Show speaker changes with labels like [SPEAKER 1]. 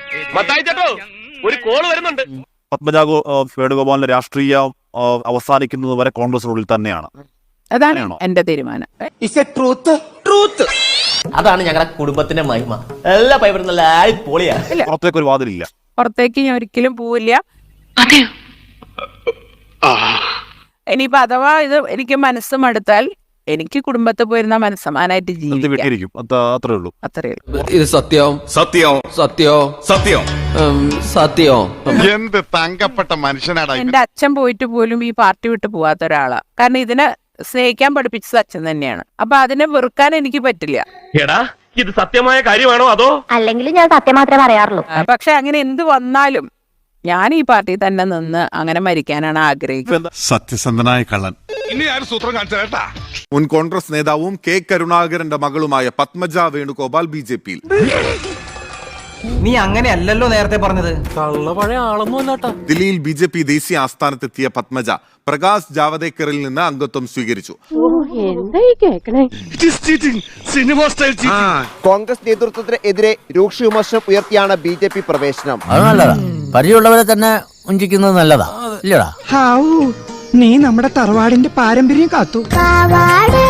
[SPEAKER 1] ഒരു കോള് വരുന്നുണ്ട്.
[SPEAKER 2] പത്മജ വേണുഗോപാലിന്റെ രാഷ്ട്രീയം അവസാനിക്കുന്നത് വരെ കോൺഗ്രസിനുള്ളിൽ തന്നെയാണ്.
[SPEAKER 3] അതാണ് എന്റെ തീരുമാനം.
[SPEAKER 4] അതാണ് ഞങ്ങളുടെ കുടുംബത്തിന്റെ മഹിമ. എല്ലാ പൈപ്പറും നല്ല പൊളിയാ.
[SPEAKER 2] പുറത്തേക്ക് ഒരു വാതിലില്ല.
[SPEAKER 3] പുറത്തേക്ക് ഞാൻ ഒരിക്കലും പോവില്ല. ഇനിയിപ്പോ അഥവാ ഇത് എനിക്ക് മനസ്സ് മടുത്താൽ എനിക്ക് കുടുംബത്തിൽ പോയിരുന്ന മനസ്സമാനായിട്ട് ജീവിക്കും.
[SPEAKER 2] അത്രേ ഉള്ളൂ.
[SPEAKER 5] ഇത് സത്യം സത്യം സത്യം സത്യം സത്യം.
[SPEAKER 6] എന്ത് തങ്കപ്പെട്ട മനുഷ്യനാണ്.
[SPEAKER 3] എന്റെ അച്ഛൻ പോയിട്ട് പോലും ഈ പാർട്ടി വിട്ട് പോവാത്ത ഒരാളാ. കാരണം ഇതിനെ സ്നേഹിക്കാൻ പഠിപ്പിച്ചത് അച്ഛൻ തന്നെയാണ്. അപ്പൊ അതിനെ വെറുക്കാൻ എനിക്ക് പറ്റില്ല.
[SPEAKER 1] എടാ ഇത് സത്യമായ കാര്യമാണോ അതോ?
[SPEAKER 7] അല്ലെങ്കിൽ ഞാൻ സത്യം മാത്രമേ പറയാറുള്ളൂ.
[SPEAKER 3] പക്ഷെ അങ്ങനെ എന്ത് വന്നാലും ഞാൻ ഈ പാർട്ടി തന്നെ നിന്ന് അങ്ങനെ മരിക്കാനാണ് ആഗ്രഹിക്കുന്നത്.
[SPEAKER 6] സത്യസന്ധനായ കള്ളൻ.
[SPEAKER 8] മുൻ കോൺഗ്രസ് നേതാവും കെ കരുണാകരന്റെ മകളുമായ പത്മജ വേണുഗോപാൽ BJP-യിൽ.
[SPEAKER 4] നീ അങ്ങനെയല്ലല്ലോ നേരത്തെ പറഞ്ഞത്.
[SPEAKER 8] ദില്ലിയിൽ BJP ദേശീയ ആസ്ഥാനത്തെത്തിയ പത്മജ പ്രകാശ് ജാവദേക്കറിൽ നിന്ന് അംഗത്വം സ്വീകരിച്ചു.
[SPEAKER 9] കോൺഗ്രസ് നേതൃത്വത്തിന് എതിരെ രൂക്ഷ വിമർശനം ഉയർത്തിയാണ് BJP പ്രവേശനം.
[SPEAKER 4] അത് നല്ലതാ. പരിചയമുള്ളവരെ തന്നെ ഉഞ്ചിക്കുന്നത് നല്ലതാ ഇല്ലടാ.
[SPEAKER 10] നീ നമ്മുടെ തറവാടിന്റെ പാരമ്പര്യം കാത്തു.